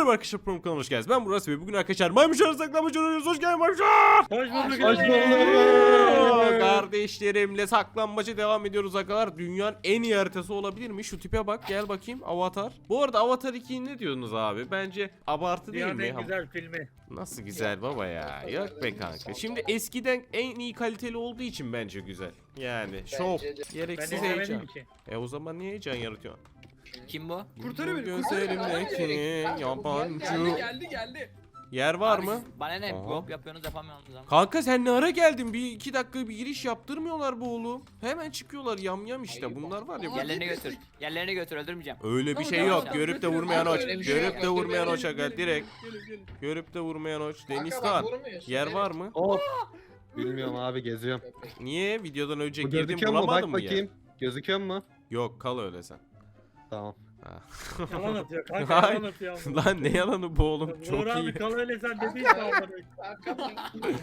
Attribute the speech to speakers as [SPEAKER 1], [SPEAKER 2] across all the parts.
[SPEAKER 1] Merhaba arkadaşlar, program kanalına hoş geldiniz. Ben Murat ve bugün arkadaşlar maymunları saklambaç oynuyoruz. Hoş geldin maymunlar.
[SPEAKER 2] Hoş bulduk.
[SPEAKER 3] Hoş bulduk.
[SPEAKER 1] Kardeşlerimle saklambaça devam ediyoruz arkadaşlar. Dünyanın en iyi haritası olabilir mi? Şu tipe bak, gel bakayım. Avatar. Bu arada Avatar 2'yi ne diyorsunuz abi? Bence abartı değil
[SPEAKER 2] Dünyanın
[SPEAKER 1] mi?
[SPEAKER 2] en güzel filmi.
[SPEAKER 1] Nasıl güzel baba ya. Yok be kanka. Şimdi eskiden en iyi kaliteli olduğu için bence güzel. Yani şov.
[SPEAKER 3] de.
[SPEAKER 2] Ben
[SPEAKER 1] Gereksiz
[SPEAKER 2] izlemedim
[SPEAKER 1] heyecan.
[SPEAKER 2] ki.
[SPEAKER 1] O zaman niye heyecan yaratıyorsun?
[SPEAKER 4] Kim bu?
[SPEAKER 3] Kurtarıyor beni.
[SPEAKER 1] Gözlerimdeki yabancı.
[SPEAKER 3] Geldi.
[SPEAKER 1] Yer var
[SPEAKER 4] Abi
[SPEAKER 1] mı?
[SPEAKER 4] siz Bana ne?
[SPEAKER 1] Aha.
[SPEAKER 4] Yok yapıyorsunuz yapamıyorsunuz ama.
[SPEAKER 1] Kanka sen ne ara geldin? Bir iki dakika bir giriş yaptırmıyorlar bu oğlum. Hemen çıkıyorlar yam işte.
[SPEAKER 3] Ayıp
[SPEAKER 1] Bunlar var ya.
[SPEAKER 3] ama.
[SPEAKER 4] Yerlerini götür. Yerlerini götür öldürmeyeceğim.
[SPEAKER 1] Öyle bir
[SPEAKER 3] Tamam,
[SPEAKER 1] şey
[SPEAKER 3] tamam,
[SPEAKER 1] yok.
[SPEAKER 4] tamam.
[SPEAKER 1] Görüp de vurmayan
[SPEAKER 3] Kanka
[SPEAKER 1] oç.
[SPEAKER 3] öyle bir şey
[SPEAKER 1] Görüp
[SPEAKER 3] yok.
[SPEAKER 1] de vurmayan
[SPEAKER 3] Gelin,
[SPEAKER 1] oç aga
[SPEAKER 3] gelin,
[SPEAKER 1] direkt.
[SPEAKER 3] gelin.
[SPEAKER 1] Görüp de vurmayan oç.
[SPEAKER 3] Kanka
[SPEAKER 1] Denizkan.
[SPEAKER 3] bak, vurmuyorsun,
[SPEAKER 1] Yer
[SPEAKER 3] evet.
[SPEAKER 1] var mı?
[SPEAKER 5] Of. Bilmiyorum abi geziyorum.
[SPEAKER 1] Niye? Videodan önce
[SPEAKER 5] Bu
[SPEAKER 1] girdim
[SPEAKER 5] gözüküyor mu? Bak
[SPEAKER 1] bulamadın mı ya?
[SPEAKER 5] bakayım. Gözüküyor mu?
[SPEAKER 1] Yok, kal öyle sen.
[SPEAKER 5] Tamam.
[SPEAKER 1] Ha.
[SPEAKER 2] Yalan atıyor kanka,
[SPEAKER 1] Hayır.
[SPEAKER 2] yalan atıyor.
[SPEAKER 1] Lan ne yalanı bu oğlum,
[SPEAKER 2] Uğur
[SPEAKER 1] çok
[SPEAKER 2] abi
[SPEAKER 1] iyi.
[SPEAKER 2] kal öyle sen dedin ki amına.
[SPEAKER 3] Kanka bak.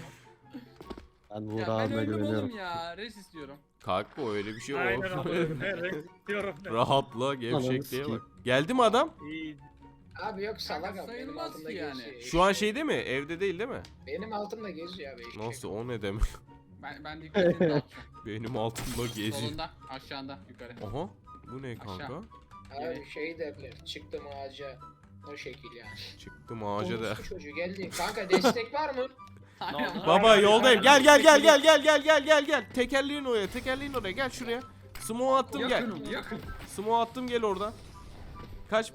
[SPEAKER 5] Ben
[SPEAKER 6] Ya
[SPEAKER 5] Uğur
[SPEAKER 6] ben
[SPEAKER 5] abime
[SPEAKER 6] öldüm
[SPEAKER 5] güveniyorum.
[SPEAKER 6] oğlum ya. Res istiyorum.
[SPEAKER 1] Kanka öyle bir şey yok.
[SPEAKER 2] Aynen abi. Evet istiyorum.
[SPEAKER 1] Rahatla, gevşekliğe
[SPEAKER 5] sikeyim.
[SPEAKER 1] bak. Geldi mi adam?
[SPEAKER 2] İyi.
[SPEAKER 3] Abi yok salak abi. Benim
[SPEAKER 6] Sayılmaz
[SPEAKER 3] altımda
[SPEAKER 6] ki yani.
[SPEAKER 3] geziyor.
[SPEAKER 1] Şu an şeyde mi? Evde değil mi?
[SPEAKER 3] Benim altımda geziyor abi. eşek.
[SPEAKER 1] Nasıl, o ne demek?
[SPEAKER 6] Ben dikkatini dağıtacağım.
[SPEAKER 1] Benim altımda geziyor.
[SPEAKER 6] Solunda, aşağında, yukarı.
[SPEAKER 1] Aha. Bu ne kanka?
[SPEAKER 6] Aşağı.
[SPEAKER 3] Abi şey derler. Çıktım ağaca. O şekil yani.
[SPEAKER 1] Çıktım ağaca da.
[SPEAKER 3] Orospu çocuğu geldi. Kanka destek var mı?
[SPEAKER 4] Aynen.
[SPEAKER 1] Baba yoldayım. Gel gel. Tekerleğin oraya. Gel şuraya. Smoke attım gel.
[SPEAKER 6] Yakın.
[SPEAKER 1] Smoke attım, gel oradan. Kaç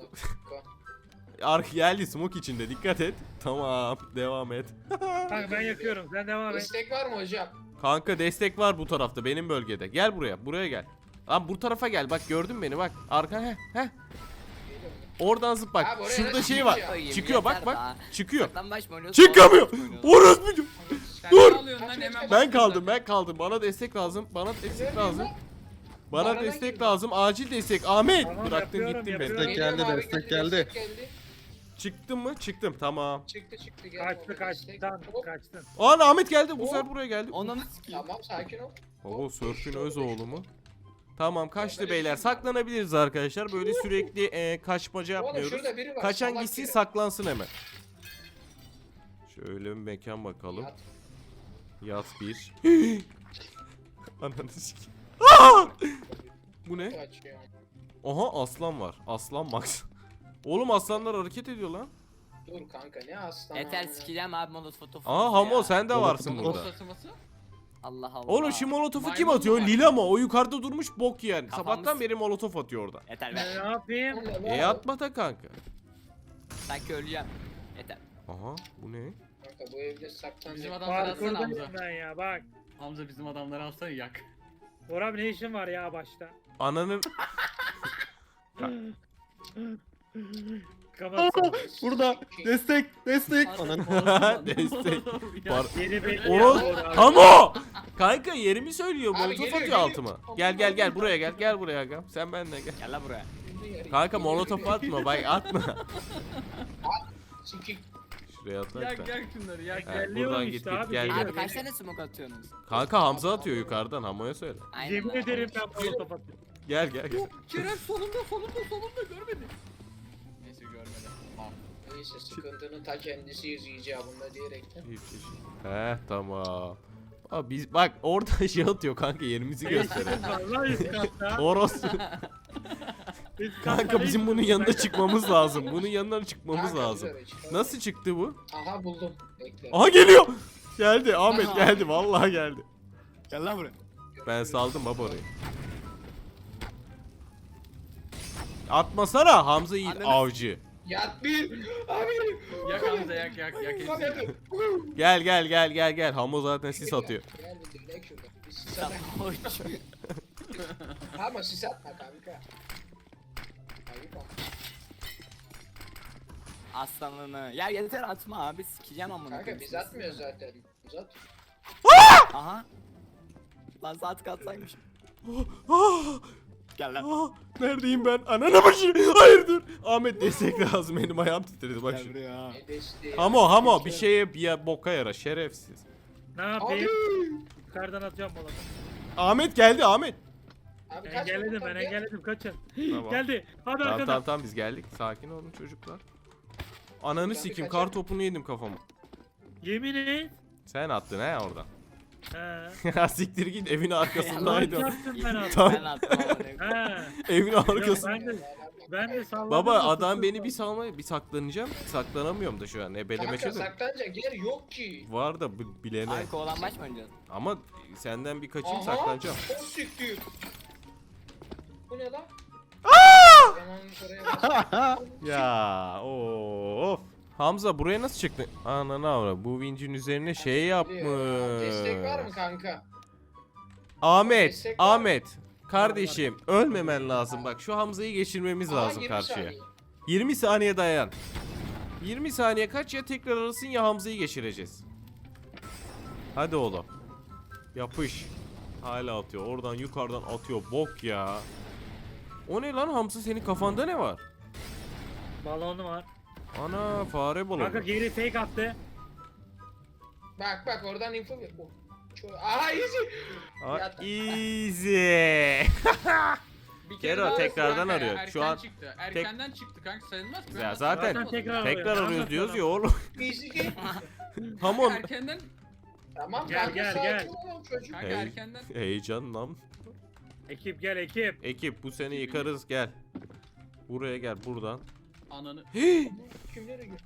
[SPEAKER 1] Ark geldi smoke içinde, dikkat et. Tamam, devam et.
[SPEAKER 2] Kanka ben yakıyorum sen devam et.
[SPEAKER 3] Destek var mı hocam?
[SPEAKER 1] Kanka destek var bu tarafta, benim bölgede. Gel buraya gel. Lan bu tarafa gel. Bak gördün beni, bak. Arka heh.
[SPEAKER 3] Geliyorum.
[SPEAKER 1] Oradan zıp bak.
[SPEAKER 3] Abi oraya
[SPEAKER 1] Şurada
[SPEAKER 3] nasıl
[SPEAKER 1] şey var.
[SPEAKER 3] çıkıyor?
[SPEAKER 4] Koyayım,
[SPEAKER 1] Çıkıyor bak
[SPEAKER 4] yeter
[SPEAKER 1] bak.
[SPEAKER 4] daha.
[SPEAKER 1] Çıkıyor.
[SPEAKER 4] Saklambaç mı oynuyorsun?
[SPEAKER 1] Çıkamıyor.
[SPEAKER 4] Oynuyorsun.
[SPEAKER 1] Orospu.
[SPEAKER 6] Sen
[SPEAKER 1] Dur.
[SPEAKER 6] ne alıyorsun lan hemen?
[SPEAKER 1] Ben kaldım. Bana destek lazım. Bana
[SPEAKER 3] Bana
[SPEAKER 1] destek
[SPEAKER 3] gel.
[SPEAKER 1] lazım. Acil destek. Ahmet.
[SPEAKER 2] Tamam,
[SPEAKER 1] Bıraktın
[SPEAKER 2] yapıyorum,
[SPEAKER 1] gittin beni.
[SPEAKER 2] yapıyorum.
[SPEAKER 5] Destek geldi,
[SPEAKER 3] Geliyorum abi,
[SPEAKER 5] destek
[SPEAKER 3] geldi,
[SPEAKER 5] geldi.
[SPEAKER 3] destek geldi.
[SPEAKER 1] Çıktın mı? Çıktım. Tamam.
[SPEAKER 3] Çıktı geldi.
[SPEAKER 2] Kaçtı
[SPEAKER 3] orada destek.
[SPEAKER 2] kaçtı
[SPEAKER 3] Hop,
[SPEAKER 2] kaçtın.
[SPEAKER 1] Aa, Ahmet geldi. Bu
[SPEAKER 3] Hop.
[SPEAKER 1] sefer buraya geldi.
[SPEAKER 4] Ondan sikeyim.
[SPEAKER 3] Tamam sakin ol.
[SPEAKER 1] Oo, Sörf'ün öz oğlu mu? Tamam, kaçtı beyler. Saklanabiliriz arkadaşlar. Böyle sürekli kaçmaca
[SPEAKER 3] Oğlum
[SPEAKER 1] yapmıyoruz.
[SPEAKER 3] şurada biri var.
[SPEAKER 1] Kaçan
[SPEAKER 3] salak
[SPEAKER 1] gitsin,
[SPEAKER 3] biri.
[SPEAKER 1] saklansın hemen. Şöyle bir mekan bakalım.
[SPEAKER 3] Yat.
[SPEAKER 1] Yat bir. Ananı sikeyim. Aa! Bu ne?
[SPEAKER 3] Kaçıyor.
[SPEAKER 1] Aha, aslan var. Aslan Max. Oğlum aslanlar hareket ediyor lan.
[SPEAKER 3] Dur kanka ne aslan.
[SPEAKER 4] Yeter
[SPEAKER 3] amına.
[SPEAKER 4] sikeceğim abi molotof.
[SPEAKER 1] Aa Hamo, sen de varsın burada.
[SPEAKER 6] Saçması.
[SPEAKER 4] Allah Allah.
[SPEAKER 1] Oğlum şu molotofu kim
[SPEAKER 6] Maymun
[SPEAKER 1] atıyor?
[SPEAKER 6] var.
[SPEAKER 1] Lila mı? O yukarıda durmuş bok yani.
[SPEAKER 4] Kafamız-
[SPEAKER 1] Sabahtan beri molotof atıyor orada.
[SPEAKER 4] Yeter
[SPEAKER 2] Ne
[SPEAKER 4] be.
[SPEAKER 2] yapayım?
[SPEAKER 3] Oğlum, ne var?
[SPEAKER 1] Atma da kanka.
[SPEAKER 4] Sanki öleceğim. Yeter.
[SPEAKER 1] Aha, bu ne?
[SPEAKER 3] Kanka bu evde saklanacak.
[SPEAKER 6] Bizim adamları alsana
[SPEAKER 2] Parkurdayım
[SPEAKER 6] Hamza.
[SPEAKER 2] ben ya bak.
[SPEAKER 6] Hamza bizim adamları alsana yak.
[SPEAKER 2] Uğur abi ne işin var ya başta?
[SPEAKER 1] Ananın...
[SPEAKER 2] Kapatsana.
[SPEAKER 5] Burada destek. Ananı.
[SPEAKER 1] Destek. Par-
[SPEAKER 2] Yeni belli
[SPEAKER 1] Oros...
[SPEAKER 2] ya Uğur abi.
[SPEAKER 1] Hamo! Kanka yerimi söylüyor.
[SPEAKER 3] Abi
[SPEAKER 1] Molotof
[SPEAKER 3] geliyor,
[SPEAKER 1] atıyor
[SPEAKER 3] geliyor.
[SPEAKER 1] altıma. Gel buraya gel. Gel buraya agam. Sen benimle gel.
[SPEAKER 4] Gel lan buraya.
[SPEAKER 1] Kanka molotof atma, bak atma.
[SPEAKER 3] Sikik.
[SPEAKER 1] Şuraya atak
[SPEAKER 6] Yak
[SPEAKER 1] da.
[SPEAKER 6] yak şunları yak.
[SPEAKER 1] Ha,
[SPEAKER 2] Geliyorum
[SPEAKER 1] buradan
[SPEAKER 2] işte
[SPEAKER 1] git git
[SPEAKER 2] abi,
[SPEAKER 1] gel
[SPEAKER 2] geliyorum.
[SPEAKER 1] gel.
[SPEAKER 4] Abi kaç tane smoke atıyorsunuz?
[SPEAKER 1] Kanka Hamza atıyor yukarıdan, Hamo'ya söyle.
[SPEAKER 4] Aynen
[SPEAKER 2] Yemin
[SPEAKER 4] lan.
[SPEAKER 2] ederim ben molotof atıyorum.
[SPEAKER 1] Gel.
[SPEAKER 6] Kerem solunda görmedi. Neyse görmedi. Tamam.
[SPEAKER 3] Neyse sıkıntının ta kendisiyiz icabında diyerekten.
[SPEAKER 1] Heh, tamam. Abi biz bak orada şey atıyor kanka, yerimizi gösteriyor.
[SPEAKER 2] Vallahi üst katta.
[SPEAKER 1] Oros.
[SPEAKER 2] Üst katta
[SPEAKER 1] Kanka bizim
[SPEAKER 2] hiç-
[SPEAKER 1] bunun yanına çıkmamız lazım. Bunun yanına çıkmamız
[SPEAKER 3] Kanka,
[SPEAKER 1] lazım.
[SPEAKER 3] güzel, çıkar.
[SPEAKER 1] Nasıl çıktı bu?
[SPEAKER 3] Aha buldum. Bekle.
[SPEAKER 1] Aha geliyor. Geldi Ahmet, geldi vallahi geldi.
[SPEAKER 4] Gel lan buraya.
[SPEAKER 1] Ben saldım baba orayı. Atmasana, Hamza iyi
[SPEAKER 4] Ananı-
[SPEAKER 1] avcı.
[SPEAKER 3] Yat bir. Abi.
[SPEAKER 6] Yak Hamza yak hepsini.
[SPEAKER 1] Gel. Hamo zaten sis atıyor.
[SPEAKER 3] Gel bir direkt şurada. Bir sis
[SPEAKER 4] Sen
[SPEAKER 3] atma.
[SPEAKER 4] hoş.
[SPEAKER 3] Ama sis atma kanka. Ayıp ama.
[SPEAKER 4] Aslanını. Ya yeter atma abi sikeceğim amına
[SPEAKER 3] Kanka
[SPEAKER 4] koyayım
[SPEAKER 3] biz
[SPEAKER 4] sizi.
[SPEAKER 3] atmıyoruz zaten. Uzat.
[SPEAKER 4] Aha. Lan saat katsaymış. Gel lan.
[SPEAKER 1] Neredeyim ben? Ananı başı. Hayır dur. Ahmet destek lazım, benim ayağım titredi bak
[SPEAKER 4] Gel
[SPEAKER 1] şimdi.
[SPEAKER 4] buraya.
[SPEAKER 3] Ne desteği.
[SPEAKER 1] Hamo bir şeye boka yara şerefsiz.
[SPEAKER 2] Ne
[SPEAKER 3] Abi.
[SPEAKER 2] yapayım? Yukarıdan atıyorum molotof.
[SPEAKER 1] Ahmet geldi Ahmet.
[SPEAKER 3] Abi kaç
[SPEAKER 2] Engelledim
[SPEAKER 3] bakalım,
[SPEAKER 2] ben
[SPEAKER 3] gel.
[SPEAKER 2] engelledim kaçın.
[SPEAKER 1] Tamam.
[SPEAKER 2] Geldi. Hadi
[SPEAKER 1] Tamam
[SPEAKER 2] arkadan.
[SPEAKER 1] tamam biz geldik. Sakin olun çocuklar. Ananı
[SPEAKER 3] bir
[SPEAKER 1] sikeyim,
[SPEAKER 3] kaçar.
[SPEAKER 1] kar topunu yedim kafama.
[SPEAKER 2] Yemin et.
[SPEAKER 1] Sen attın he oradan.
[SPEAKER 2] He.
[SPEAKER 1] Ya siktir git, evin
[SPEAKER 2] Lan
[SPEAKER 1] arkasındaydı.
[SPEAKER 2] çarptım ben abi.
[SPEAKER 1] Tam-
[SPEAKER 4] Ben attım amına koyayım.
[SPEAKER 2] He.
[SPEAKER 1] Evin
[SPEAKER 2] Yok,
[SPEAKER 1] arkasında.
[SPEAKER 2] ben de salladım.
[SPEAKER 1] Baba
[SPEAKER 2] da
[SPEAKER 1] adam
[SPEAKER 2] tuttum.
[SPEAKER 1] beni bir salmaya, bir saklanacağım. Saklanamıyorum da şu an. Ebeleme
[SPEAKER 3] Kanka
[SPEAKER 1] çözüm.
[SPEAKER 3] saklanacak yer yok ki.
[SPEAKER 1] Var da bilene.
[SPEAKER 4] Abi kovalanmaç mı oynayacağız?
[SPEAKER 1] Ama senden bir kaçayım,
[SPEAKER 3] Aha,
[SPEAKER 1] saklanacağım.
[SPEAKER 3] O siktir. Bu ne lan? Hemen oraya bas.
[SPEAKER 1] Ya of. Hamza buraya nasıl çıktın? Ananı avra. Bu vincin üzerine şey yapmış.
[SPEAKER 3] Destek var mı kanka?
[SPEAKER 1] Ahmet,
[SPEAKER 3] Destek var mı?
[SPEAKER 1] Ahmet. Kardeşim ölmemen lazım. Bak şu Hamza'yı geçirmemiz
[SPEAKER 3] Aa,
[SPEAKER 1] lazım
[SPEAKER 3] 20
[SPEAKER 1] karşıya.
[SPEAKER 3] saniye.
[SPEAKER 1] 20 saniye dayan. 20 saniye kaç, ya tekrar arasın ya Hamza'yı geçireceğiz. Hadi oğlum. Yapış. Hala atıyor. Oradan yukarıdan atıyor. Bok ya. O ne lan Hamza, senin kafanda ne var?
[SPEAKER 2] Balonu var.
[SPEAKER 1] Ana fare balonu.
[SPEAKER 2] Kanka geri fake attı.
[SPEAKER 3] Bak oradan info ver. Oh. Aha easy.
[SPEAKER 1] Aa,
[SPEAKER 3] Yattı.
[SPEAKER 1] easy.
[SPEAKER 6] Bir
[SPEAKER 1] Kero
[SPEAKER 6] daha
[SPEAKER 1] tekrardan
[SPEAKER 6] kanka ya,
[SPEAKER 1] arıyor.
[SPEAKER 6] Erken
[SPEAKER 1] Şu an
[SPEAKER 6] çıktı. Erkenden çıktı kanka, sayılmaz ki. Ben
[SPEAKER 1] Ya
[SPEAKER 6] nasıl
[SPEAKER 1] zaten
[SPEAKER 6] anlamadım.
[SPEAKER 2] tekrar
[SPEAKER 1] tekrar
[SPEAKER 2] arıyor.
[SPEAKER 1] arıyoruz
[SPEAKER 2] Anlat
[SPEAKER 1] diyoruz
[SPEAKER 2] bana.
[SPEAKER 1] ya oğlum.
[SPEAKER 3] Easy game.
[SPEAKER 1] Hamon.
[SPEAKER 6] Erkenden
[SPEAKER 3] Tamam
[SPEAKER 2] Gel,
[SPEAKER 3] kanka
[SPEAKER 2] gel,
[SPEAKER 3] sakin
[SPEAKER 2] gel.
[SPEAKER 3] ol çocuk.
[SPEAKER 6] kanka
[SPEAKER 1] Hey.
[SPEAKER 6] erkenden
[SPEAKER 1] Heyecan lan.
[SPEAKER 2] Ekip gel ekip.
[SPEAKER 1] Ekip bu seni yıkarız, gel. Buraya gel buradan.
[SPEAKER 6] ananı
[SPEAKER 3] Kimlere gir?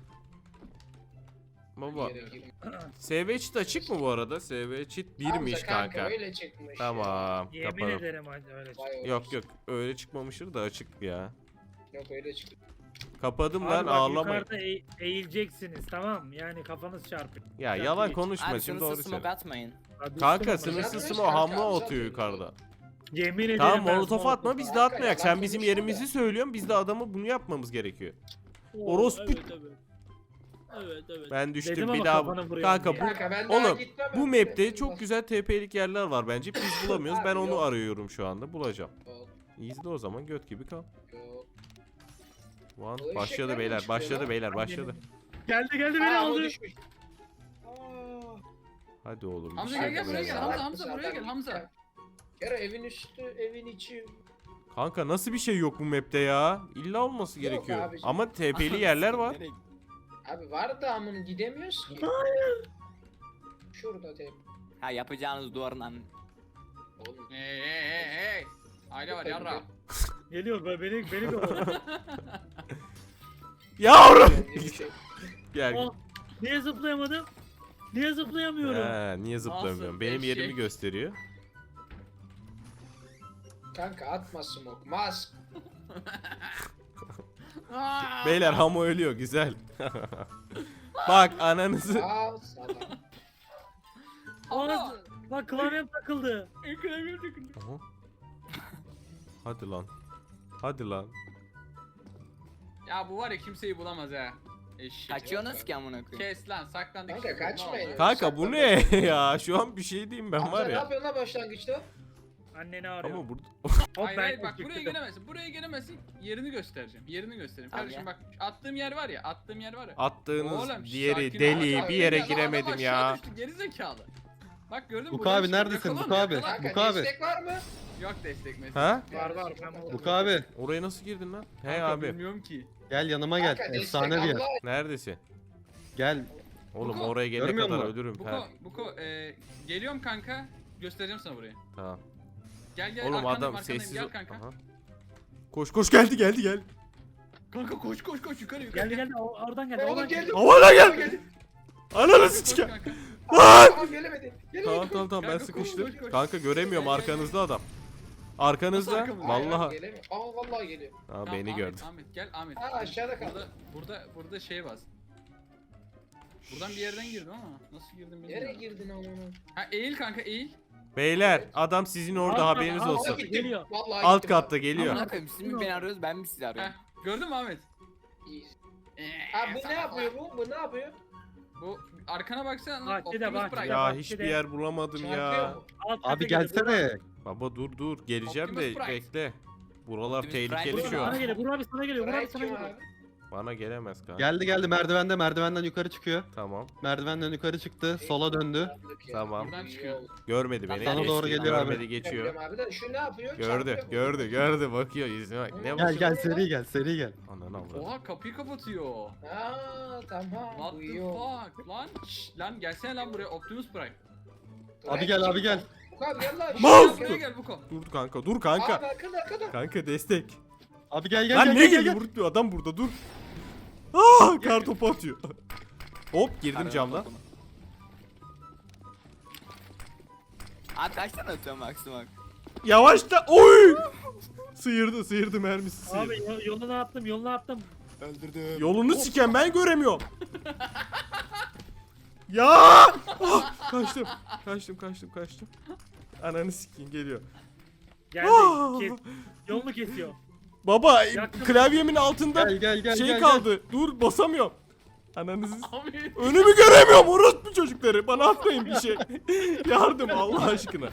[SPEAKER 1] Baba.
[SPEAKER 3] Yere girme.
[SPEAKER 1] SV cheat açık mı bu arada? SV cheat 1'miş
[SPEAKER 3] Hamza
[SPEAKER 1] kanka.
[SPEAKER 3] Öyle çıkmış.
[SPEAKER 1] Tamam.
[SPEAKER 2] Yemin
[SPEAKER 1] Kapalı.
[SPEAKER 2] ederim hadi öyle.
[SPEAKER 3] Ya. Vay
[SPEAKER 1] Yok
[SPEAKER 3] olsun.
[SPEAKER 1] yok öyle çıkmamıştır da açık ya.
[SPEAKER 3] Yok öyle çıktı.
[SPEAKER 1] Kapadım
[SPEAKER 2] Abi
[SPEAKER 1] lan,
[SPEAKER 2] bak,
[SPEAKER 1] ağlamayın.
[SPEAKER 2] yukarıda eğileceksiniz tamam mı? Yani kafanız çarpık.
[SPEAKER 1] Ya
[SPEAKER 2] Çarpı
[SPEAKER 1] yalan
[SPEAKER 2] geç.
[SPEAKER 1] konuşma
[SPEAKER 4] Abi
[SPEAKER 1] şimdi, doğru
[SPEAKER 4] sınırsız smoke
[SPEAKER 1] söyle.
[SPEAKER 4] atmayın.
[SPEAKER 2] Abi
[SPEAKER 1] Kanka
[SPEAKER 2] üstüme bak.
[SPEAKER 1] sınırsız
[SPEAKER 3] Kanka,
[SPEAKER 1] o hamle
[SPEAKER 3] Hamza
[SPEAKER 1] atıyor
[SPEAKER 3] atıyor.
[SPEAKER 1] yukarıda.
[SPEAKER 2] Yemin ederim
[SPEAKER 1] Tamam
[SPEAKER 2] ben
[SPEAKER 1] molotof
[SPEAKER 2] smoke
[SPEAKER 1] atma, biz de
[SPEAKER 3] Kanka,
[SPEAKER 1] atmayak. Sen
[SPEAKER 3] yalan
[SPEAKER 1] bizim
[SPEAKER 3] konuşma
[SPEAKER 1] yerimizi
[SPEAKER 3] da.
[SPEAKER 1] söylüyorsun, biz de adamı bunu yapmamız gerekiyor.
[SPEAKER 2] Oo,
[SPEAKER 1] Orospu.
[SPEAKER 2] Evet evet. Evet evet.
[SPEAKER 1] Ben düştüm
[SPEAKER 2] Dedim
[SPEAKER 1] bir
[SPEAKER 2] ama
[SPEAKER 1] daha.
[SPEAKER 2] kafanı vuruyorum
[SPEAKER 1] Kanka
[SPEAKER 2] diye.
[SPEAKER 1] bu
[SPEAKER 3] Kanka ben daha
[SPEAKER 1] oğlum
[SPEAKER 3] gitmem.
[SPEAKER 1] bu map'te çok güzel TP'lik yerler var bence. Biz bulamıyoruz. Ben
[SPEAKER 3] Abi,
[SPEAKER 1] onu
[SPEAKER 3] yok.
[SPEAKER 1] arıyorum şu anda. Bulacağım.
[SPEAKER 3] Yok,
[SPEAKER 1] İzle o zaman, göt gibi kal.
[SPEAKER 3] yok.
[SPEAKER 1] One.
[SPEAKER 3] O
[SPEAKER 1] Başladı
[SPEAKER 3] eşekler mi
[SPEAKER 1] beyler,
[SPEAKER 3] çıkıyor
[SPEAKER 1] başladı
[SPEAKER 3] lan?
[SPEAKER 1] beyler, başladı.
[SPEAKER 2] Geldi beni
[SPEAKER 3] Aa, o
[SPEAKER 2] aldı.
[SPEAKER 3] düşmüş. Aa.
[SPEAKER 1] Hadi oğlum.
[SPEAKER 6] Hamza
[SPEAKER 1] bir şey
[SPEAKER 6] gel, buraya
[SPEAKER 1] buraya
[SPEAKER 6] gel,
[SPEAKER 1] gel.
[SPEAKER 6] Hamza, buraya gel, Hamza.
[SPEAKER 3] Kero evin üstü, evin içi.
[SPEAKER 1] Kanka nasıl bir şey yok bu map'te ya? İlla olması
[SPEAKER 3] Yok
[SPEAKER 1] gerekiyor.
[SPEAKER 3] abicim.
[SPEAKER 1] Ama TP'li yerler var.
[SPEAKER 4] Nereye-
[SPEAKER 3] Abi var da amını gidemiyoruz ki. Şurada tep.
[SPEAKER 4] Ha yapacağınız duvarın an.
[SPEAKER 3] Oğlum.
[SPEAKER 6] Hey. Aile var yarra.
[SPEAKER 2] Geliyor beni kovalıyor.
[SPEAKER 1] Yavrum.
[SPEAKER 3] Kendi bir şey.
[SPEAKER 1] Gel.
[SPEAKER 2] Oh, niye zıplayamadım? Niye zıplayamıyorum?
[SPEAKER 1] Niye zıplamıyorum?
[SPEAKER 6] Nasıl
[SPEAKER 1] Benim yerimi
[SPEAKER 6] eşek?
[SPEAKER 1] gösteriyor.
[SPEAKER 3] Kanka atma smoke. Mask.
[SPEAKER 1] Beyler Hamo ölüyor, güzel. Bak ananızı.
[SPEAKER 3] Aa salak.
[SPEAKER 2] Aa, bak klavyem takıldı.
[SPEAKER 1] Aha. Hadi lan. Hadi lan.
[SPEAKER 6] Ya bu var ya, kimseyi bulamaz ha. Eşek.
[SPEAKER 4] Kaçıyorsunuz ki amına koyayım.
[SPEAKER 6] Kes lan, saklandık.
[SPEAKER 3] Kanka,
[SPEAKER 6] şimdi,
[SPEAKER 3] kaçmayın.
[SPEAKER 6] ne oldu?
[SPEAKER 1] Kanka bu ne ya? Şu an bir şey diyeyim ben
[SPEAKER 3] Hamza
[SPEAKER 1] var
[SPEAKER 3] ne
[SPEAKER 1] ya.
[SPEAKER 3] yapıyorsun lan başlangıçta?
[SPEAKER 2] Anneni arıyor.
[SPEAKER 1] Ama burada
[SPEAKER 2] Hop
[SPEAKER 6] Hayır
[SPEAKER 2] ben
[SPEAKER 6] hayır bak,
[SPEAKER 2] çıktım.
[SPEAKER 6] buraya gelemezsin. Buraya gelemezsin. Yerini göstereceğim. Yerini göstereyim.
[SPEAKER 4] Tamam
[SPEAKER 6] Kardeşim
[SPEAKER 4] ya.
[SPEAKER 6] bak, attığım yer var ya.
[SPEAKER 1] attığınız
[SPEAKER 6] Oğlum,
[SPEAKER 1] diğeri
[SPEAKER 6] sakin ol.
[SPEAKER 1] deli
[SPEAKER 3] Adam
[SPEAKER 1] bir yere
[SPEAKER 6] Adam
[SPEAKER 1] giremedim
[SPEAKER 6] aşağı
[SPEAKER 1] ya.
[SPEAKER 6] düştü, geri zekalı. Bak gördün mü?
[SPEAKER 5] Buka
[SPEAKER 6] buradan
[SPEAKER 5] abi,
[SPEAKER 6] çıkıyor.
[SPEAKER 5] neredesin?
[SPEAKER 6] Yakala
[SPEAKER 5] Buka
[SPEAKER 6] onu,
[SPEAKER 5] abi.
[SPEAKER 6] yakala.
[SPEAKER 3] Kanka
[SPEAKER 5] Buka abi.
[SPEAKER 3] destek var mı?
[SPEAKER 6] Yok destek mesaj.
[SPEAKER 1] Ha?
[SPEAKER 2] Var, ben
[SPEAKER 5] Buka abi
[SPEAKER 1] Oraya nasıl girdin lan? Hey
[SPEAKER 6] Kanka,
[SPEAKER 1] abi.
[SPEAKER 6] bilmiyorum ki.
[SPEAKER 5] gel yanıma gel.
[SPEAKER 3] Kanka destek
[SPEAKER 5] Efsane bir yer.
[SPEAKER 3] Allah.
[SPEAKER 1] Neredesin?
[SPEAKER 5] Gel.
[SPEAKER 1] Oğlum
[SPEAKER 6] Buko,
[SPEAKER 1] oraya gelene
[SPEAKER 5] görmüyor
[SPEAKER 1] kadar
[SPEAKER 5] musun?
[SPEAKER 1] ölürüm. Ha,
[SPEAKER 6] Buko, geliyorum kanka. Göstereceğim sana burayı.
[SPEAKER 1] tamam.
[SPEAKER 6] Gel
[SPEAKER 1] Oğlum
[SPEAKER 6] arkandayım,
[SPEAKER 1] adam
[SPEAKER 6] arkandayım.
[SPEAKER 1] sessiz
[SPEAKER 6] Gel
[SPEAKER 1] ol.
[SPEAKER 6] kanka.
[SPEAKER 1] Aha. Koş gel.
[SPEAKER 6] Kanka koş yukarı.
[SPEAKER 2] Geldi oradan geldi.
[SPEAKER 3] Oğlum
[SPEAKER 2] Oradan geldi.
[SPEAKER 3] geldi.
[SPEAKER 1] Havana gel. Ananı
[SPEAKER 6] Koş
[SPEAKER 1] sikeyim.
[SPEAKER 6] kanka.
[SPEAKER 3] Tamam gelemedi.
[SPEAKER 1] Tamam ben
[SPEAKER 6] Kanka,
[SPEAKER 1] sıkıştım.
[SPEAKER 6] koş.
[SPEAKER 1] Kanka göremiyorum,
[SPEAKER 6] Gel.
[SPEAKER 1] arkanızda adam. Arkanızda.
[SPEAKER 6] Nasıl arkamızda?
[SPEAKER 1] Vallahi.
[SPEAKER 3] Gelemiyor. Aa vallahi geliyor.
[SPEAKER 1] Ha
[SPEAKER 6] Tamam,
[SPEAKER 1] beni gördü.
[SPEAKER 6] Ahmet gel Ahmet.
[SPEAKER 3] Aa aşağıda kaldı.
[SPEAKER 6] Burada şey var. Buradan bir yerden girdim ama nasıl girdim bilmiyorum.
[SPEAKER 3] Nereye girdin amına?
[SPEAKER 6] Ha eğil kanka, eğil.
[SPEAKER 1] Beyler adam sizin orada,
[SPEAKER 2] Alt-
[SPEAKER 1] haberiniz
[SPEAKER 2] alt-
[SPEAKER 1] olsun.
[SPEAKER 2] alt- Geliyor.
[SPEAKER 3] Vallahi
[SPEAKER 1] Alt
[SPEAKER 3] gittim
[SPEAKER 1] katta geliyor.
[SPEAKER 4] Amına koyayım siz mi beni arıyorsunuz ben mi sizi arıyorum?
[SPEAKER 6] Heh, gördün mü Ahmet?
[SPEAKER 3] İyi. Ha bu ne yapıyor bu? Bu ne yapıyor?
[SPEAKER 6] Bu arkana baksana.
[SPEAKER 2] Bahçede,
[SPEAKER 6] Optimus
[SPEAKER 2] bahçede.
[SPEAKER 6] Prime.
[SPEAKER 1] Ya
[SPEAKER 2] bak,
[SPEAKER 1] hiçbir
[SPEAKER 2] bir de-
[SPEAKER 1] yer bulamadım
[SPEAKER 3] Çarpıyor
[SPEAKER 1] ya.
[SPEAKER 3] mu?
[SPEAKER 2] Alt kata
[SPEAKER 5] Abi
[SPEAKER 2] geliyor, buradan.
[SPEAKER 5] gelsene.
[SPEAKER 1] Baba dur geleceğim
[SPEAKER 6] Optimus
[SPEAKER 1] de
[SPEAKER 6] Prime.
[SPEAKER 1] bekle. Buralar
[SPEAKER 4] Optimus
[SPEAKER 1] tehlikeli
[SPEAKER 4] Prime
[SPEAKER 1] şu
[SPEAKER 2] Sana
[SPEAKER 1] an.
[SPEAKER 2] geliyor. Burak abi sana geliyor. Burak abi
[SPEAKER 3] Bright
[SPEAKER 2] sana
[SPEAKER 3] kim
[SPEAKER 2] geliyor.
[SPEAKER 3] abi?
[SPEAKER 1] Bana gelemez kanka.
[SPEAKER 5] Geldi merdivenden yukarı çıkıyor.
[SPEAKER 1] Tamam.
[SPEAKER 5] Merdivenden yukarı çıktı. Sola döndü.
[SPEAKER 1] Tamam.
[SPEAKER 6] Buradan çıkıyor.
[SPEAKER 1] Görmedi beni.
[SPEAKER 4] Sana
[SPEAKER 5] doğru
[SPEAKER 1] geçti,
[SPEAKER 5] geliyor abi.
[SPEAKER 1] görmedi, geçiyor.
[SPEAKER 3] Abi de şu ne yapıyor?
[SPEAKER 1] Gördü,
[SPEAKER 3] Çarpıyor.
[SPEAKER 1] gördü, bakıyor yüzüne bak. Ne
[SPEAKER 3] Gel,
[SPEAKER 1] bakıyor?
[SPEAKER 5] Gel seri gel.
[SPEAKER 1] Ananı avradım.
[SPEAKER 6] Oha kapıyı kapatıyor.
[SPEAKER 3] Aa tamam.
[SPEAKER 6] What the
[SPEAKER 3] Uyuyor.
[SPEAKER 6] fuck lan? Şşş, lan gelsene lan buraya Optimus Prime.
[SPEAKER 5] Abi gel.
[SPEAKER 3] Bu abi gel lan.
[SPEAKER 1] Mouse!
[SPEAKER 6] Buraya gel Buko.
[SPEAKER 1] Dur kanka, dur
[SPEAKER 3] Abi
[SPEAKER 1] kanka.
[SPEAKER 3] arkada.
[SPEAKER 1] Kanka destek.
[SPEAKER 5] Abi gel
[SPEAKER 1] Lan ne geliyor? Vurtluyor adam burada, dur. Aa, kar topu atıyor. Hop girdim
[SPEAKER 4] Arada
[SPEAKER 1] camdan.
[SPEAKER 4] topunu. Abi kaç tane atıyorum maksimum?
[SPEAKER 1] Yavaşla. Oy! Sıyırdı mermisi sıyırdı.
[SPEAKER 2] Abi yolunu attım.
[SPEAKER 4] Öldürdüm.
[SPEAKER 1] Yolunu siken ben göremiyorum. Ya! Ah, kaçtım. Ananı sikeyim geliyor.
[SPEAKER 2] Geldi.
[SPEAKER 1] Ah!
[SPEAKER 2] Yolunu kesiyor.
[SPEAKER 1] Baba
[SPEAKER 2] Yaktım.
[SPEAKER 1] klavyemin altında
[SPEAKER 5] Gel.
[SPEAKER 1] şey kaldı. Dur basamıyorum. Ananızı
[SPEAKER 6] Abi.
[SPEAKER 1] önümü göremiyorum orospu çocukları. Bana atmayın bir şey. Yardım Allah aşkına.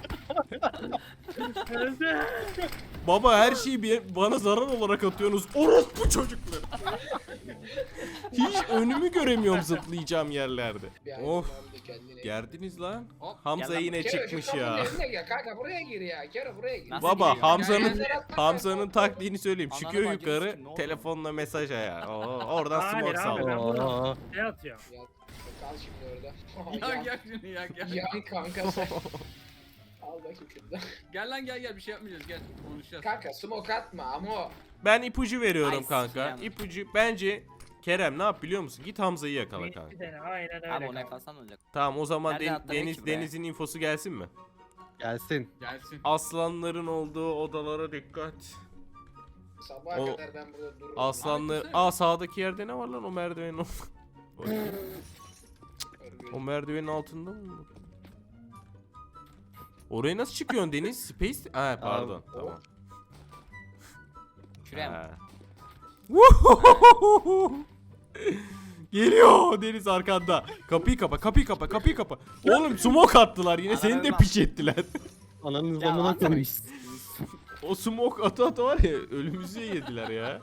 [SPEAKER 1] Baba her şeyi bana zarar olarak atıyorsunuz. Orospu çocukları. Hiç önümü göremiyorum zıplayacağım yerlerde.
[SPEAKER 3] Bir ay
[SPEAKER 1] Of.
[SPEAKER 3] kullandı kendini.
[SPEAKER 1] Gerdiniz lan.
[SPEAKER 6] Hop,
[SPEAKER 1] Hamza
[SPEAKER 4] gel lan.
[SPEAKER 1] yine
[SPEAKER 3] Kero, şu
[SPEAKER 1] çıkmış
[SPEAKER 3] kapının
[SPEAKER 1] ya.
[SPEAKER 3] önüne gel kanka buraya gir ya. Kero buraya gir.
[SPEAKER 4] Nasıl
[SPEAKER 1] Baba
[SPEAKER 4] giriyor?
[SPEAKER 1] Hamza'nın taktiğini söyleyeyim.
[SPEAKER 4] Ananı
[SPEAKER 1] Çıkıyor
[SPEAKER 4] bacını
[SPEAKER 1] yukarı
[SPEAKER 4] sikim, ne oldu?
[SPEAKER 1] telefonla mesaj ya. Oradan
[SPEAKER 2] Hayır
[SPEAKER 1] smoke
[SPEAKER 2] abi,
[SPEAKER 1] sallıyor.
[SPEAKER 2] ben bunu
[SPEAKER 5] Aa.
[SPEAKER 2] ne atıyor?
[SPEAKER 3] Ya, kal şimdi orada.
[SPEAKER 6] Ya gel şunu ya gel.
[SPEAKER 3] Yan kanka sen. Al bakayım şunu.
[SPEAKER 6] Gel lan gel bir şey yapmayacağız gel konuşacağız.
[SPEAKER 3] Kanka smoke atma ama.
[SPEAKER 1] Ben ipucu veriyorum
[SPEAKER 4] Ay,
[SPEAKER 1] kanka.
[SPEAKER 4] sikeyim.
[SPEAKER 1] İpucu bence Kerem ne yap biliyor musun? Git Hamza'yı yakala kanka.
[SPEAKER 2] Bir tane, aynen öyle.
[SPEAKER 4] Abi ona
[SPEAKER 2] kanka.
[SPEAKER 4] yakalsan ne olacak?
[SPEAKER 1] Tamam o zaman
[SPEAKER 4] Nereden atlanıyor ki buraya?
[SPEAKER 1] Deniz'in infosu gelsin mi?
[SPEAKER 5] Gelsin.
[SPEAKER 6] Gelsin.
[SPEAKER 1] Aslanların olduğu odalara dikkat.
[SPEAKER 3] Sabaha
[SPEAKER 1] O-
[SPEAKER 3] kadar ben burada dururum.
[SPEAKER 1] Aslanlar...
[SPEAKER 6] Abi,
[SPEAKER 1] Aa sağdaki yerde ne var lan o merdivenin o merdivenin altında mı? Oraya nasıl çıkıyorsun Deniz? Space? Ha pardon.
[SPEAKER 5] Abi,
[SPEAKER 1] Tamam.
[SPEAKER 4] Şuraya mı?
[SPEAKER 1] Ha. Geliyor Deniz arkanda. Kapıyı kapa. Oğlum smoke attılar yine seni de
[SPEAKER 4] Ananı
[SPEAKER 1] piç ettiler.
[SPEAKER 5] Ananın
[SPEAKER 4] Ya
[SPEAKER 5] zamına
[SPEAKER 4] atsana
[SPEAKER 5] koymuş.
[SPEAKER 1] O smoke ata var ya ölümümüzü yediler ya.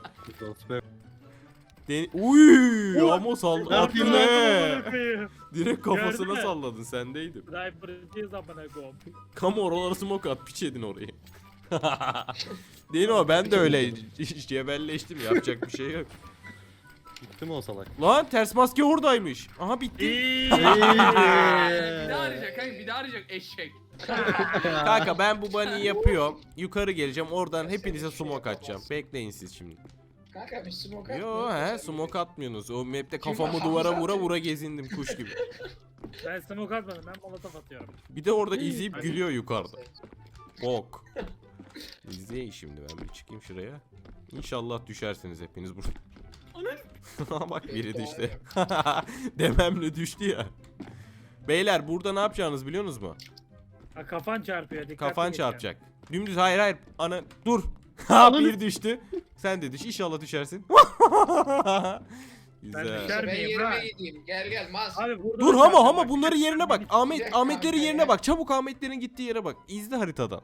[SPEAKER 1] Uy ama
[SPEAKER 5] Ne yapayım
[SPEAKER 1] ne? Direkt kafasına
[SPEAKER 2] Gördün mü?
[SPEAKER 1] salladın sendeydin.
[SPEAKER 2] Sniper'cıyız amına koyayım.
[SPEAKER 1] Kamu oraları smoke at piç edin orayı. Değil mi o ben de öyle cebelleştim yapacak bir şey yok.
[SPEAKER 5] Gitti mi o salak?
[SPEAKER 1] Lan ters maske oradaymış. Aha bitti.
[SPEAKER 2] İyi.
[SPEAKER 6] Bir daha arayacak kanka bir daha arayacak eşek.
[SPEAKER 1] Kanka ben bu bunny'i yapıyorum. Yukarı geleceğim oradan hepinize smoke atacağım. Bekleyin siz şimdi.
[SPEAKER 3] Kanka bir smoke atma.
[SPEAKER 1] Yo he smoke atmıyorsunuz. O map'te kafamı duvara vura gezindim kuş gibi.
[SPEAKER 2] Ben smoke atmadım, ben molotof atıyorum.
[SPEAKER 1] Bir de orada izleyip gülüyor yukarıda. Bok. İzleyin şimdi ben bir çıkayım şuraya. İnşallah düşersiniz hepiniz burada. Bak biri düştü. Dememle düştü ya. Beyler burada ne yapacağınız biliyorsunuz mu?
[SPEAKER 2] Ha, kafan çarpıyor, dikkatli
[SPEAKER 1] Kafan
[SPEAKER 2] geçeceğim.
[SPEAKER 1] çarpacak. Dümdüz hayır ana dur. Ha bir düştü. Sen de düş inşallah düşersin.
[SPEAKER 2] Ben
[SPEAKER 1] Güzel.
[SPEAKER 2] düşer-
[SPEAKER 3] Ben
[SPEAKER 2] miyim ha?
[SPEAKER 3] yerime gideyim. Gel mas.
[SPEAKER 2] Abi burada
[SPEAKER 1] Dur
[SPEAKER 2] da
[SPEAKER 1] ama
[SPEAKER 2] çarpıyor,
[SPEAKER 1] ama
[SPEAKER 2] bak.
[SPEAKER 1] bunların yerine bak.
[SPEAKER 3] Gidecek
[SPEAKER 1] Ahmetlerin
[SPEAKER 3] kanka
[SPEAKER 1] yerine
[SPEAKER 3] ya.
[SPEAKER 1] bak. Çabuk Ahmetlerin gittiği yere bak. İzle haritadan.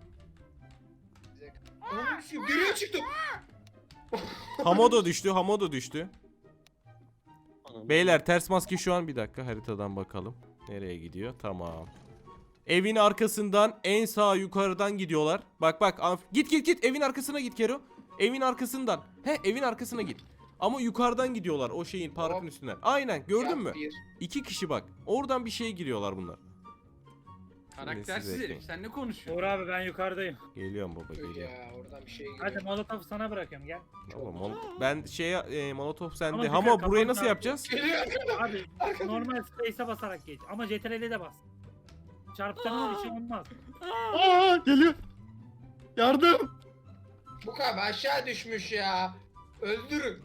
[SPEAKER 3] Geriye çıktım.
[SPEAKER 1] Hamodo düştü. Hamodo düştü.
[SPEAKER 5] Anam.
[SPEAKER 1] Beyler ters maske şu an bir dakika haritadan bakalım. Nereye gidiyor? Tamam. Evin arkasından en sağ yukarıdan gidiyorlar. Bak git evin arkasına git Kero. Evin arkasından. Evin arkasına git. Ama yukarıdan gidiyorlar o şeyin parkın
[SPEAKER 3] Hop.
[SPEAKER 1] üstünden. Aynen gördün
[SPEAKER 3] Yap
[SPEAKER 1] mü?
[SPEAKER 3] bir.
[SPEAKER 1] 2 kişi bak. Oradan bir şeye giriyorlar bunlar.
[SPEAKER 6] Karaktersiz
[SPEAKER 1] Siz
[SPEAKER 6] herif
[SPEAKER 1] bekleyin.
[SPEAKER 6] sen ne konuşuyorsun?
[SPEAKER 2] Uğur abi ben yukarıdayım.
[SPEAKER 1] Geliyorum baba
[SPEAKER 3] Dur
[SPEAKER 1] geliyorum.
[SPEAKER 3] ya oradan bir şey
[SPEAKER 2] Hadi
[SPEAKER 3] geliyor.
[SPEAKER 2] molotofu sana bırakıyorum, gel.
[SPEAKER 1] Tamam, ben Molotov sende.
[SPEAKER 2] Ama
[SPEAKER 1] Ama
[SPEAKER 2] güzel,
[SPEAKER 1] burayı
[SPEAKER 2] kafanı
[SPEAKER 1] nasıl
[SPEAKER 2] dağıtıyor.
[SPEAKER 1] yapacağız?
[SPEAKER 3] Geliyor.
[SPEAKER 2] Abi normal space'e basarak geç ama CTRL'e de bas. Çarptığında bir şey olmaz.
[SPEAKER 5] Aa geliyor. Yardım.
[SPEAKER 3] Bu kadar aşağı düşmüş ya. Öldürün.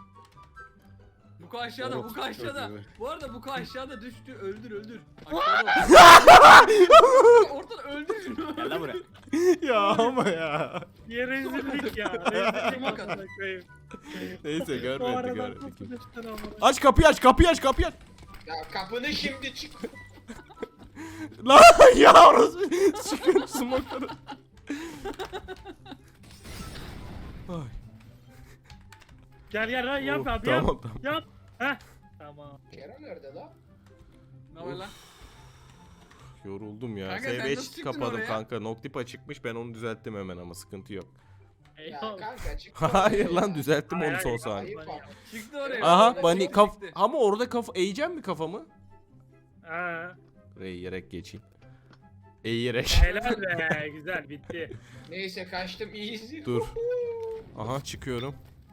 [SPEAKER 6] Buko aşağıda,
[SPEAKER 5] Orospu
[SPEAKER 6] Buko aşağıda.
[SPEAKER 5] çocuğu.
[SPEAKER 6] Bu arada Buko aşağıda düştü. Öldür. Aşağıda. Ortadan öldür şunu.
[SPEAKER 4] Gel lan buraya.
[SPEAKER 1] Ya ama ya.
[SPEAKER 2] Niye rezillik ya? Rezillik
[SPEAKER 6] Bak-
[SPEAKER 2] amına koyayım.
[SPEAKER 1] Neyse
[SPEAKER 2] Bu
[SPEAKER 1] görmedik
[SPEAKER 2] arada
[SPEAKER 1] görmedik.
[SPEAKER 2] nasıl düştün amına?
[SPEAKER 1] Aç kapıyı aç.
[SPEAKER 3] Ya kapını şimdi çık.
[SPEAKER 1] Lan yavrum. Çıkın smoke'ları. Ay.
[SPEAKER 2] Gel gel lan yap
[SPEAKER 1] Oh,
[SPEAKER 2] abi
[SPEAKER 1] tamam,
[SPEAKER 2] yap.
[SPEAKER 1] tamam.
[SPEAKER 2] Yap. Heh. Tamam.
[SPEAKER 3] Kerem nerede lan?
[SPEAKER 6] Ne var lan?
[SPEAKER 1] Yoruldum ya.
[SPEAKER 6] Kanka, sen
[SPEAKER 1] SV
[SPEAKER 6] nasıl çıktın
[SPEAKER 1] kapadım
[SPEAKER 6] oraya?
[SPEAKER 1] kanka. Noctipa çıkmış, ben onu düzelttim hemen ama sıkıntı yok.
[SPEAKER 3] Ya
[SPEAKER 2] Eyvallah.
[SPEAKER 3] kanka çık.
[SPEAKER 1] Hayır lan, düzelttim
[SPEAKER 2] Hayır,
[SPEAKER 1] onu son
[SPEAKER 2] hayır,
[SPEAKER 1] saniye.
[SPEAKER 3] Ayıp ama.
[SPEAKER 6] Çıktı oraya.
[SPEAKER 1] Aha
[SPEAKER 6] Orada
[SPEAKER 1] bani
[SPEAKER 6] çıktı.
[SPEAKER 1] ama orada eğeceğim mi kafamı?
[SPEAKER 2] Ha.
[SPEAKER 1] Eğerek geçeyim. Eğerek.
[SPEAKER 2] Helal be güzel bitti.
[SPEAKER 3] Neyse kaçtım iyiyiz.
[SPEAKER 1] Dur. Aha çıkıyorum.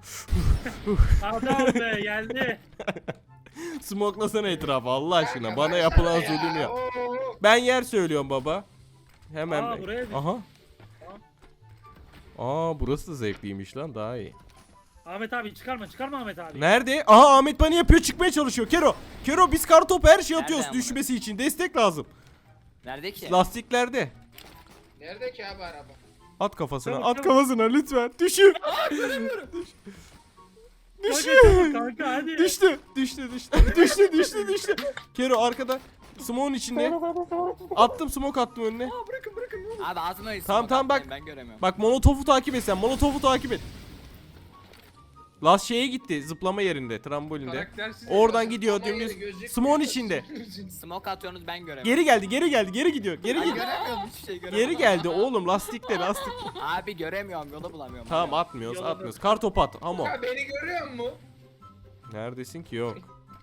[SPEAKER 2] Adam be geldi.
[SPEAKER 1] Smoklasana etrafı Allah aşkına.
[SPEAKER 3] Kanka,
[SPEAKER 1] Bana
[SPEAKER 3] baksana
[SPEAKER 1] yapılan
[SPEAKER 3] ya.
[SPEAKER 1] zulüm ya.
[SPEAKER 3] Oo.
[SPEAKER 1] Ben yer söylüyorum baba. Hemen.
[SPEAKER 2] Aa, buraya düş.
[SPEAKER 1] Aha. Aa burası da zevkliymiş lan, daha iyi.
[SPEAKER 2] Ahmet abi çıkarma Ahmet abi.
[SPEAKER 1] Nerede? Aha Ahmet bana yapıyor, çıkmaya çalışıyor. Kero. Kero biz kartopu her şey atıyoruz
[SPEAKER 4] Nerede
[SPEAKER 1] düşmesi için. Destek lazım.
[SPEAKER 4] Nerede ki?
[SPEAKER 1] Lastiklerde.
[SPEAKER 3] Nerede ki abi araba?
[SPEAKER 1] At kafasına.
[SPEAKER 2] Çabuk,
[SPEAKER 1] At
[SPEAKER 2] çabuk.
[SPEAKER 1] kafasına lütfen. Düşür.
[SPEAKER 2] Hadi kanka hadi.
[SPEAKER 1] Düştü. Düştü. Kero arkada. Smoke'un içinde. Attım, smoke attım önüne.
[SPEAKER 6] Aa, bırakın.
[SPEAKER 4] Abi atmayın.
[SPEAKER 1] Tamam, tamam, bak.
[SPEAKER 4] Ben göremiyorum.
[SPEAKER 1] Bak Molotov'u takip et sen. Molotov'u takip et. Last şeye gitti. Zıplama yerinde. Trambolinde.
[SPEAKER 6] Karaktersiz.
[SPEAKER 1] Oradan gidiyor
[SPEAKER 3] Ama yeri
[SPEAKER 1] dümdüz.
[SPEAKER 3] gözükmüyor.
[SPEAKER 1] Smoke'un içinde.
[SPEAKER 4] Smoke atıyorsunuz ben göremiyorum.
[SPEAKER 1] Geri geldi. Geri gidiyor. Geri
[SPEAKER 4] Ay,
[SPEAKER 1] gidiyor.
[SPEAKER 4] göremiyorum hiçbir şey göremiyorum.
[SPEAKER 1] Geri geldi oğlum, lastikte.
[SPEAKER 4] Abi göremiyorum yolu bulamıyorum.
[SPEAKER 1] Tamam atmıyoruz. Kartopu at. Ama.
[SPEAKER 3] Ha beni görüyor musun?
[SPEAKER 1] Neredesin ki? Yok.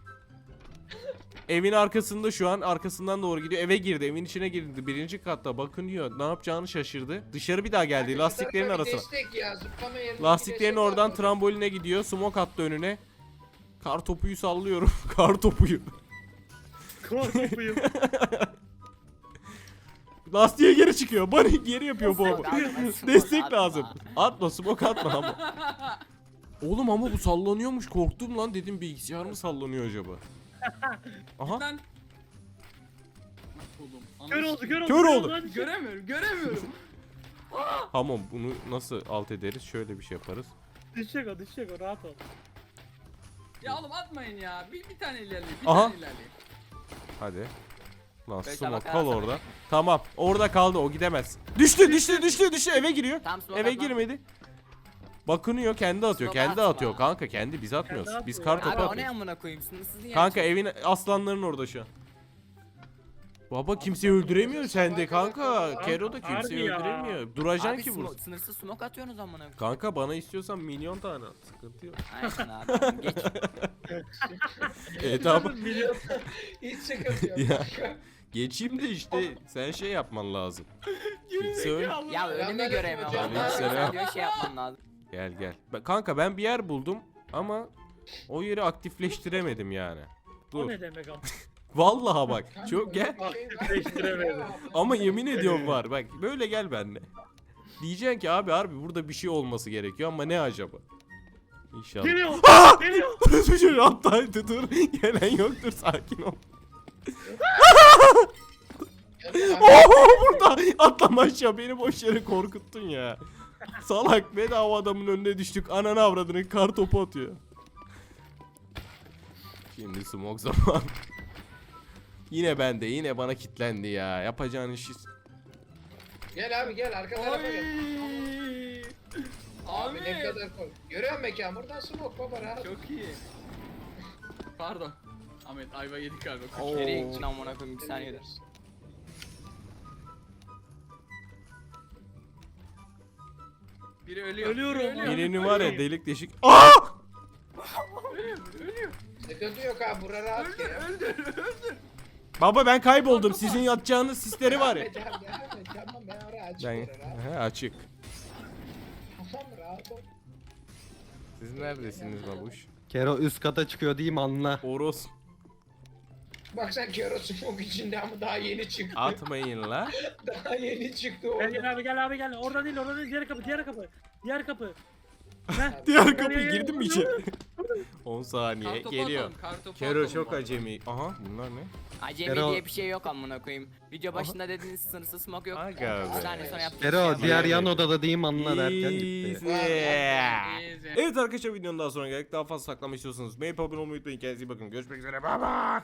[SPEAKER 1] Evin arkasında şu an, arkasından doğru gidiyor. Eve girdi, evin içine girdi. Birinci katta bakınıyor. Ne yapacağını şaşırdı. Dışarı bir daha geldi lastiklerin
[SPEAKER 3] Şu tarafa bir
[SPEAKER 1] arasına.
[SPEAKER 3] destek ya, zıplama yerine bir
[SPEAKER 1] Lastiklerin
[SPEAKER 3] destek
[SPEAKER 1] oradan
[SPEAKER 3] var.
[SPEAKER 1] tramboline gidiyor. Smoke attı önüne. Kar topuyu sallıyorum. Kar topuyu.
[SPEAKER 2] Korkuyum.
[SPEAKER 1] Lastiğe geri çıkıyor. Bunny geri yapıyor bu.
[SPEAKER 4] Smoke atma, smoke
[SPEAKER 1] Destek
[SPEAKER 4] atma.
[SPEAKER 1] lazım. Atma, smoke atma ama. Oğlum ama bu sallanıyormuş. Korktum lan, dedim bilgisayar mı sallanıyor acaba? Aha.
[SPEAKER 6] Lan. Oğlum.
[SPEAKER 2] Kör oldu.
[SPEAKER 1] Hadi.
[SPEAKER 6] Göremiyorum.
[SPEAKER 1] Tamam, bunu nasıl alt ederiz? Şöyle bir şey yaparız.
[SPEAKER 2] Düşecek o rahat ol.
[SPEAKER 6] Ya oğlum atmayın ya. Bir tane ilerleyin.
[SPEAKER 1] Aha.
[SPEAKER 6] Bir tane ilerleyin.
[SPEAKER 1] Hadi. Lan
[SPEAKER 4] Beş
[SPEAKER 1] smoke
[SPEAKER 4] tabak
[SPEAKER 1] kal
[SPEAKER 4] arasana.
[SPEAKER 1] orada. Tamam, orada kaldı, o gidemez. Düştü eve giriyor.
[SPEAKER 4] Tamam, smoke
[SPEAKER 1] Eve
[SPEAKER 4] atma.
[SPEAKER 1] girmedi. Bakınıyor, kendi atıyor.
[SPEAKER 4] Smoke
[SPEAKER 1] Kendi
[SPEAKER 4] atma.
[SPEAKER 1] atıyor kanka, kendi, biz atmıyoruz.
[SPEAKER 2] Kendi
[SPEAKER 1] Biz
[SPEAKER 2] atıyor.
[SPEAKER 1] kar topu
[SPEAKER 4] Abi o ne
[SPEAKER 1] atıyoruz.
[SPEAKER 4] amına koyayım sınırsız niye?
[SPEAKER 1] Kanka
[SPEAKER 4] açıyorsun?
[SPEAKER 1] evin aslanların orada şu an. Baba kimseyi öldüremiyor sende kanka. Kero da kimseyi
[SPEAKER 2] Harbi ya.
[SPEAKER 1] öldüremiyor. Duracaksın
[SPEAKER 4] Abi
[SPEAKER 1] ki vursun.
[SPEAKER 4] sınırsız smoke atıyorsunuz amına koyayım.
[SPEAKER 1] Kanka bana istiyorsan milyon tane at. Sıkıntı yok.
[SPEAKER 4] Aynen abi tamam, geç.
[SPEAKER 1] Tamam.
[SPEAKER 2] Milyon.
[SPEAKER 3] Hiç sıkıntı yok.
[SPEAKER 1] Ya.
[SPEAKER 3] kanka.
[SPEAKER 1] Geçeyim de işte sen şey yapman lazım. Kimse öl.
[SPEAKER 4] Ya önümü
[SPEAKER 3] Yanlarım
[SPEAKER 4] göremiyorum.
[SPEAKER 3] hocam.
[SPEAKER 4] Abi.
[SPEAKER 1] Aleykümselam.
[SPEAKER 4] Sen diyor şey yapman lazım.
[SPEAKER 1] Gel. Kanka ben bir yer buldum ama o yeri aktifleştiremedim yani.
[SPEAKER 2] O
[SPEAKER 1] Dur.
[SPEAKER 2] ne demek ama.
[SPEAKER 1] Vallahi bak.
[SPEAKER 3] Kanka,
[SPEAKER 1] Çok gel.
[SPEAKER 3] böyle bir şey var.
[SPEAKER 2] Aktifleştiremedim.
[SPEAKER 1] Ama yemin ediyorum var. Bak böyle gel benimle. Diyeceksin ki abi harbi burada bir şey olması gerekiyor ama ne acaba? İnşallah.
[SPEAKER 2] Geliyor. Geliyor.
[SPEAKER 1] Burası şöyle attaydı, dur. Gelen yoktur, sakin ol. Oho burada atlama aşağı, beni boş yere korkuttun ya. Salak, bedava adamın önüne düştük. Ananı avradını, kar topu atıyor. Şimdi smoke zaman. Yine bende, yine bana kitlendi ya. Yapacağın işi.
[SPEAKER 3] Gel abi gel arka tarafa gel. Abi ne
[SPEAKER 6] Abi.
[SPEAKER 3] kadar koy. Görüyor musun mekan? Buradan smoke baba rahat.
[SPEAKER 6] Çok iyi. Pardon. Ahmet ayva yedik galiba.
[SPEAKER 1] Oo.
[SPEAKER 4] Nereye gittin amına koyayım bir saniyede.
[SPEAKER 6] Biri ölüyor.
[SPEAKER 2] Ölüyorum.
[SPEAKER 6] Biri ölüyor.
[SPEAKER 1] Birinin var ya delik deşik. Aa!
[SPEAKER 6] Ölüyor.
[SPEAKER 3] Sıkıntı yok abi bura rahat
[SPEAKER 6] Öldür,
[SPEAKER 3] gel.
[SPEAKER 6] öldür.
[SPEAKER 1] Baba ben kayboldum. Sizin yatacağınız sisleri var ya.
[SPEAKER 3] Devam et, tamam ben oraya açık
[SPEAKER 1] Ben
[SPEAKER 3] rahat.
[SPEAKER 1] he, açık.
[SPEAKER 3] Tamam rahat ol.
[SPEAKER 1] Siz neredesiniz babuş?
[SPEAKER 5] Kero üst kata çıkıyor diyeyim anla.
[SPEAKER 1] Oros.
[SPEAKER 3] Bak sen Kero smoke içinde ama daha yeni çıktı.
[SPEAKER 1] Atmayın la.
[SPEAKER 3] Daha yeni çıktı
[SPEAKER 2] Gel
[SPEAKER 3] orada.
[SPEAKER 2] gel abi gel. Orada değil. Diğer kapı. Heh.
[SPEAKER 1] Diğer kapıyı girdin mi içeri? 10 saniye
[SPEAKER 6] Kartopu
[SPEAKER 1] geliyor.
[SPEAKER 6] atalım, kartopu
[SPEAKER 1] Kero
[SPEAKER 6] atalım
[SPEAKER 1] çok
[SPEAKER 6] bari.
[SPEAKER 1] acemi. Aha bunlar ne?
[SPEAKER 4] Acemi
[SPEAKER 5] Kero-
[SPEAKER 4] diye bir şey yok amına koyayım. Video başında dediğiniz sınırsız smoke yok.
[SPEAKER 1] Aga
[SPEAKER 4] Bir
[SPEAKER 1] be.
[SPEAKER 4] saniye sonra yaptık.
[SPEAKER 5] Kero diğer
[SPEAKER 1] Evet.
[SPEAKER 5] yan odada diyeyim anla derken gitti.
[SPEAKER 1] Easy.
[SPEAKER 6] Easy.
[SPEAKER 1] Evet arkadaşlar, videonun daha sonra geldik. Daha fazla saklama istiyorsanız beğenip abone olmayı unutmayın. Kendinize iyi bakın. Görüşmek üzere. Bye bye.